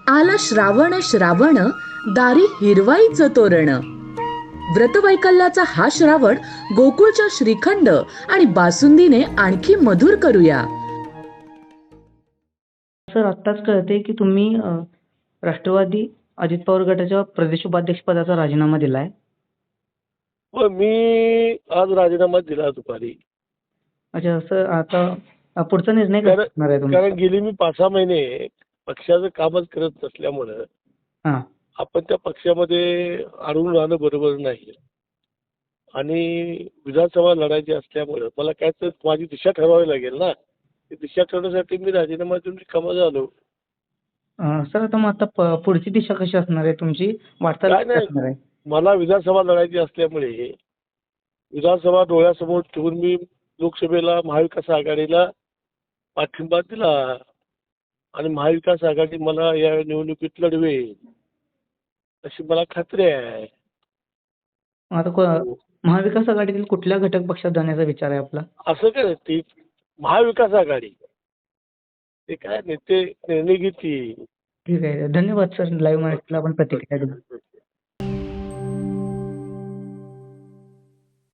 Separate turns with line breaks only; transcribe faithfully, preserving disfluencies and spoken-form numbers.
आला श्रावण श्रावण, दारी हिरवाईचं तोरण. व्रतवैकल्याचा हा श्रावण गोकुळच्या श्रीखंड आणि बासुंदीने आणखी मधुर करूया.
सर आत्ताच कळते की तुम्ही अ, राष्ट्रवादी अजित पवार गटाच्या प्रदेश उपाध्यक्ष पदाचा राजीनामा दिलाय.
मग मी आज राजीनामा दिला दुपारी.
अच्छा सर, आता अ, पुढचा निर्णय काय
कारण
असणार आहे तुमचा?
कारण गेली मी पाच सहा महिने पक्षाचं कामच करत नसल्यामुळं
हां.
आपण त्या पक्षामध्ये अडवून राहणं बरोबर नाही. आणि विधानसभा लढायची असल्यामुळं मला काय तर माझी दिशा ठरवावी लागेल ना. ती दिशा ठरवण्यासाठी मी राजीनामा देऊन रिकामा झालो.
अ, सर आता मग आता प- पुढची दिशा कशी असणार आहे तुमची? वाटचाल
काय
कशी
नाही,
असणार आहे?
मला विधानसभा लढायची असल्यामुळे विधानसभा डोळ्यासमोर ठेवून मी लोकसभेला महाविकास आघाडीला पाठिंबा दिला आणि महाविकास आघाडी मला या निवडणुकीत लढवेल अशी मला खात्री आहे.
मग आता को- महाविकास आघाडीतील कुठल्या घटक पक्षात जाण्याचा विचार आहे आपला?
असं काय ती महाविकास आघाडी ते काय नेते निर्णय घेतील.
ठीक आहे, धन्यवाद सर. लाईव्ह माहितीला आपण प्रतिक्रिया दिली.